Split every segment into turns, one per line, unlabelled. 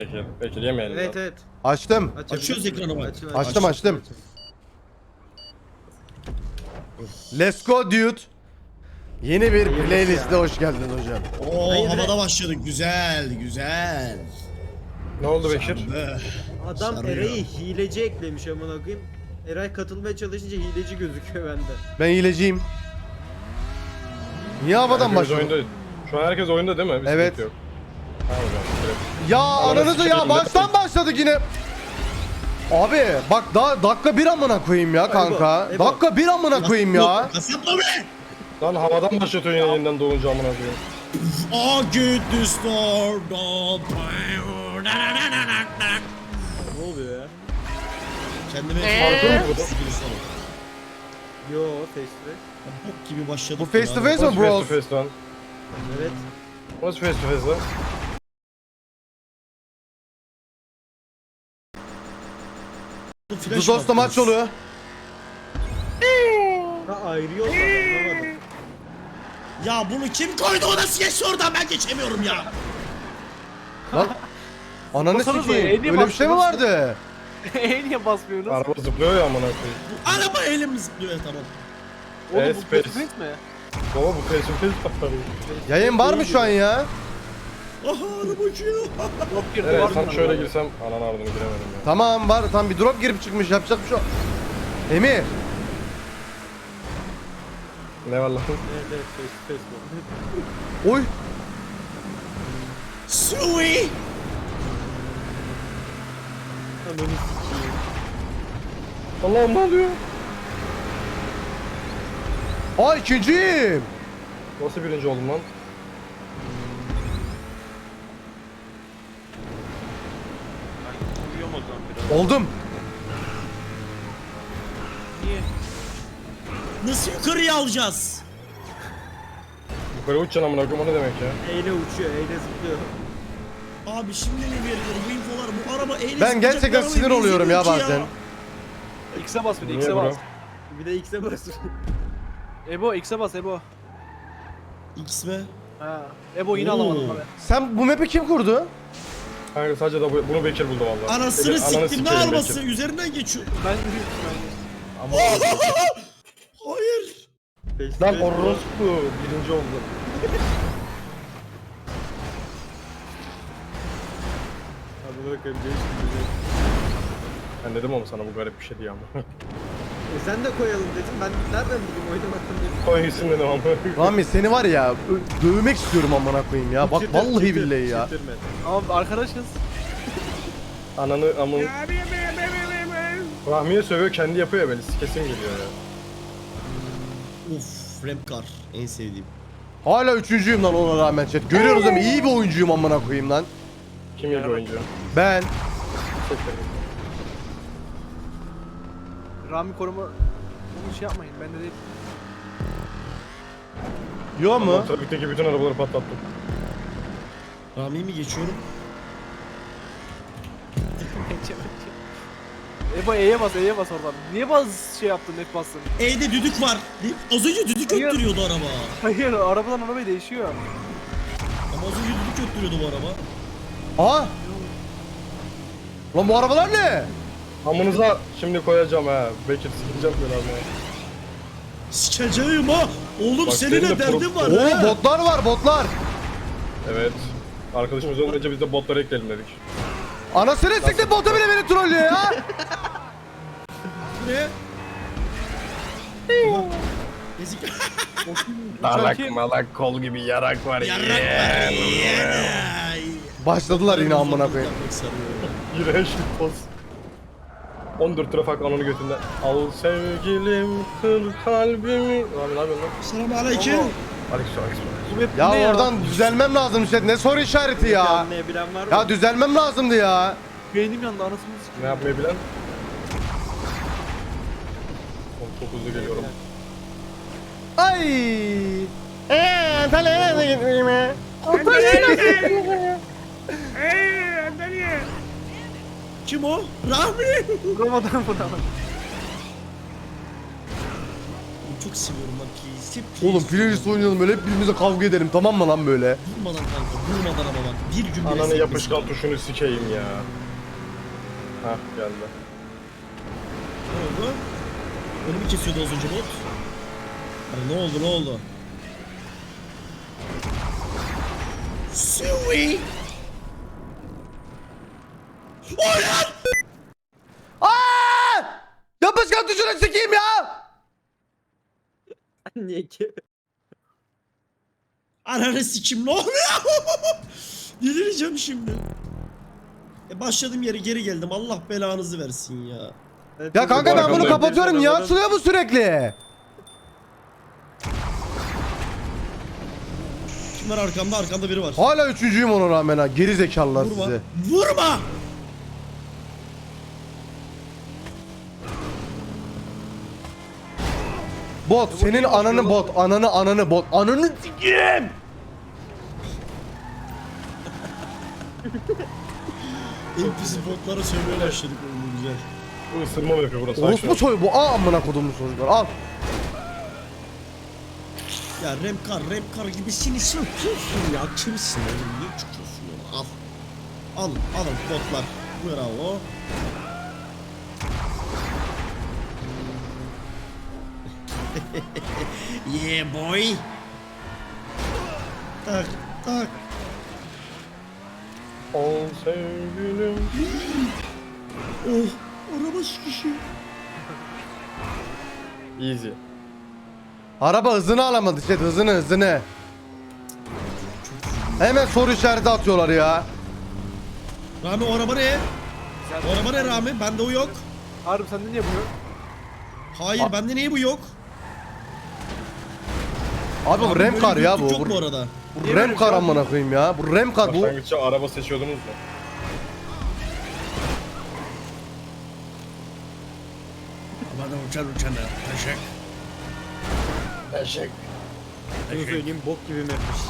Bekir yemeyelim.
Evet
lan.
evet.
Açtım.
Açıyoruz ekranı bak.
Açtım. Let's go dude. Yeni bir playlist'e hoş geldin hocam.
Oo
Hayır,
havada başladık. Güzel güzel.
Ne oldu Bekir?
Adam
Sarıyor.
Eray'ı hileci eklemiş amına koyayım. Eray katılmaya çalışınca hileci gözüküyor bende.
Ben hileciyim. Niye havadan
Herkes
başladın?
oyunda. Şu an herkes oyunda değil mi? Bir
Evet.
sıkıntı yok. Ha hocam. Evet.
Ya
Ananı
ananızı ya
sikeyim,
baştan başladık yine. Abi bak daha dakika bir amına koyayım ya kanka.
Ebo.
Dakika bir amına koyayım ya.
Kasapla be.
Lan havadan başlatıyorsun yine yeniden doğunca amına koyayım.
O good to start.
Ne oluyor ya?
Kendime
Parkur mu bu?
Yo festival.
Bok gibi başladık.
Bu face to
ya.
face
What's
mi
face to
bros?
face lan?
Evet.
What's face to face lan?
Bu flash
Dudos'ta maç
attınız.
oluyor.
Ha ayırıyorlar anlamadım.
Ya bunu kim koydu, o nasıl geçti oradan, ben geçemiyorum ya.
Lan. Ananı
Basanıza,
sikeyim.
niye
Öyle bir şey mi
basıyorsunuz?
vardı?
Niye basmıyorsunuz?
Araba zıplıyor ya amına koyayım.
Bu araba elim zıplıyor, tamam.
Oğlum
Evet,
bu
space.
Space mi?
Baba bu face to face patladı.
Yayın var mı şu an ya?
Aha araba uçuyor.
Yok girdi
Evet
var
tam
mı?
şöyle girsem ananı ardını giremedim ya.
Tamam var. Tam bir drop girip çıkmış. Yapacak bir şey yok. Emir.
Ne var lan?
Evet evet face to face bu.
Oy.
Sui.
Ananı sikeyim.
Allah'ım ne oluyor?
Aa ikinciyim.
Nasıl birinci oldum lan?
Uyuyorum o zaman biraz.
Oldum.
Niye?
Nasıl yukarıya alacağız?
Yukarı uçacaksın amına koyayım o ne demek ya?
Eyle uçuyor, eyle zıplıyor.
Abi şimdi ne verilir bu infolar, bu araba eyle
Ben gerçekten sinir oluyorum ya bazen.
X'e bas bir de
Niye
X'e
bro?
bas.
Bir de X'e bas.
Ebo X'e bas Ebo.
X mi?
Ha. Ebo yine
Oo.
alamadım abi.
Sen bu map'i kim kurdu?
Kanka sadece da bunu Bekir buldu valla.
Anasını
Bekir, ananı
siktim, ne
sikerim
arabası
Bekir.
üzerinden geçiyor.
Ben
Ama
Hayır.
Face to
lan
face bu.
orospu birinci oldu.
Hadi bakalım değişti.
Ben dedim ama sana bu garip bir şey diye ama.
Sen de koyalım dedim. Ben nereden bileyim oynamaktan dedim.
Koy gitsin dedim ama.
Rami seni var ya dövmek istiyorum amına koyayım ya. Bak
Çıtır,
vallahi
çıtır,
billahi ya.
çıtırma.
Abi arkadaşız.
Ananı amın. Rahmiye sövüyor kendi yapıyor ya böyle kesin geliyor ya.
Uf, rap car en sevdiğim.
Hala üçüncüyüm lan ona rağmen chat. Görüyoruz değil mi? İyi bir oyuncuyum amına koyayım lan.
Kim iyi bir oyuncu?
Ben.
Rami koruma onu şey yapmayın bende değil.
Yo mu?
Ama trafikteki bütün arabaları patlattım.
Rami'yi mi geçiyorum?
Ebo E'ye bas oradan. Niye şey yaptın net bastın?
E'de düdük var. Az önce düdük
Hayır.
öttürüyordu araba.
Hayır arabadan arabaya değişiyor.
Ama az önce düdük öttürüyordu bu araba.
Aa. Lan bu arabalar ne?
Amınıza şimdi koyacağım ha. Bekir sikeceğim böyle abi.
Sikeceğim ha. Oğlum
Bak,
senin
senin
de
de
derdin var
Oo
ha.
botlar var botlar.
Evet. Arkadaşımız olmayınca biz de botları ekleyelim dedik.
Anasını siktir botu bile beni trollüyor ya.
Ne? Ezik.
Malak
kim?
malak kol gibi yarak var
Yarrak var.
Başladılar yine amına koyayım.
İğrenç bir poz. 14 trafik ananı götünden. Al sevgilim kır kalbimi. Abi ne yapıyorsun lan?
Selam aleyküm.
Aleyküm.
Bu map
Ya
ne
oradan düzelmem lazım chat. Ne soru işareti ya.
Anlayabilen var mı?
Ya düzelmem lazımdı ya.
Beynim yandı anasını sikeyim.
Ne yapmayı bilen? Oğlum çok hızlı geliyorum.
Ay. Antalya'ya gitmeyeyim mi?
Kim o? Rahmi.
Vuramadan vuramadan.
çok seviyorum bak. Hep
Oğlum playlist oynayalım böyle hep birbirimize kavga edelim tamam mı lan böyle?
Durmadan kanka, durmadan ama bak. Bir gün bile
Ananı
sekmesin.
yapışkan tuşunu sikeyim ya. Hah geldi.
Ne oldu? Önümü kesiyordu az önce bot. Hani ne oldu? Sui! Oynar!
Aa! Yapışkan tuşuna sikeyim ya!
Niye ki?
Ananı sikim ne oluyor? Delireceğim şimdi. Başladığım yere geri geldim. Allah belanızı versin ya.
Ya kanka ben bunu
Arkamdayım.
kapatıyorum niye açılıyor bu sürekli?
Kim var arkamda? Arkamda biri var.
Hala üçüncüyüm ona rağmen ha geri zekalılar
Vurma.
sizi.
Vurma!
Bot senin ananı bot ananı bot ananı sikeyim.
NPC botlara söylemeye başladık oğlum güzel.
Bu ısırma mı yapıyor burası?
Orospu soy bu amına kodumun çocuklar al.
Ya Remkar gibisini söküyorsun ya. Kimsin oğlum? Niye çıkıyorsun ya? Al. Alın botlar. Bravo. Yeah boy. Tak.
Ol sevgilim.
Oh. Araba sıkışıyor.
Easy.
Araba hızını alamadı işte hızını. Hemen soru işareti atıyorlar ya.
Rami o araba ne? O araba ne Rami? Bende o yok.
Harbi sende niye bu yok?
Hayır bende niye bu yok?
Abi bu
Abi
Remkar
böyle
ya
gözlük
bu.
yok bu arada.
Bu Remkar amına koyayım ya. Bu Remkar bu.
Başlangıçta araba seçiyordunuz mu?
Bana uçan taşak.
Eşek.
Bunu söyleyeyim bok gibi mapmiş.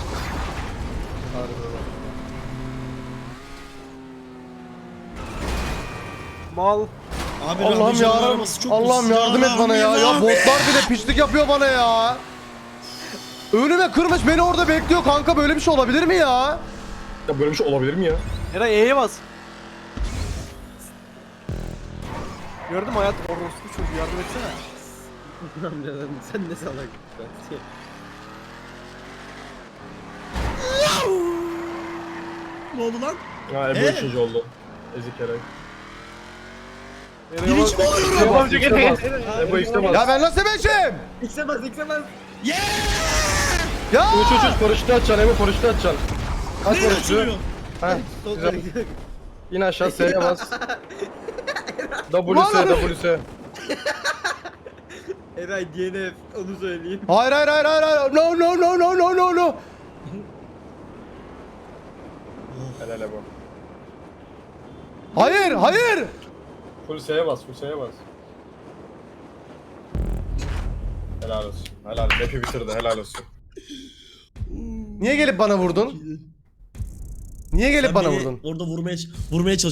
Mal.
Abi
Allah'ım
Rahmi Can'ın
ya.
arabası çok
Allah'ım
hızlı.
yardım et bana ya.
Rahmi,
Ya
Rahmi.
botlar bile pislik yapıyor bana ya. Önüme kırmış beni orada bekliyor kanka böyle bir şey olabilir mi ya?
Ya böyle bir şey olabilir mi ya?
Eray E'ye bas. Gördün mü hayatım? Orospu çocuğu yardım etsene.
Amcadan sen ne salak.
Ne oldu lan?
Ha Ebu ikinci oldu. Ezik Eray.
Eray'a bas.
Birinci mi oluyorum?
Ebu X'e bas. Ebu X'e bas.
Ya ben nasıl beşim?
X'emez.
Yeah!
Ya!
Uç paraşütü açacaksın Ebu paraşütü açacaksın. Aç
Neyle
paraşütü.
açılıyor?
Ha güzel. İn aşağı S'ye bas.
Ulan!
WS.
Eray DNF onu söyleyeyim.
Hayır. No.
Helal Ebu.
Hayır.
Full S'ye bas. Helal olsun. Helal. Map'i bitirdi. Helal olsun.
Niye gelip bana vurdun? Niye gelip
Sen
bana
beni
vurdun?
Orada vurmaya çalıştın.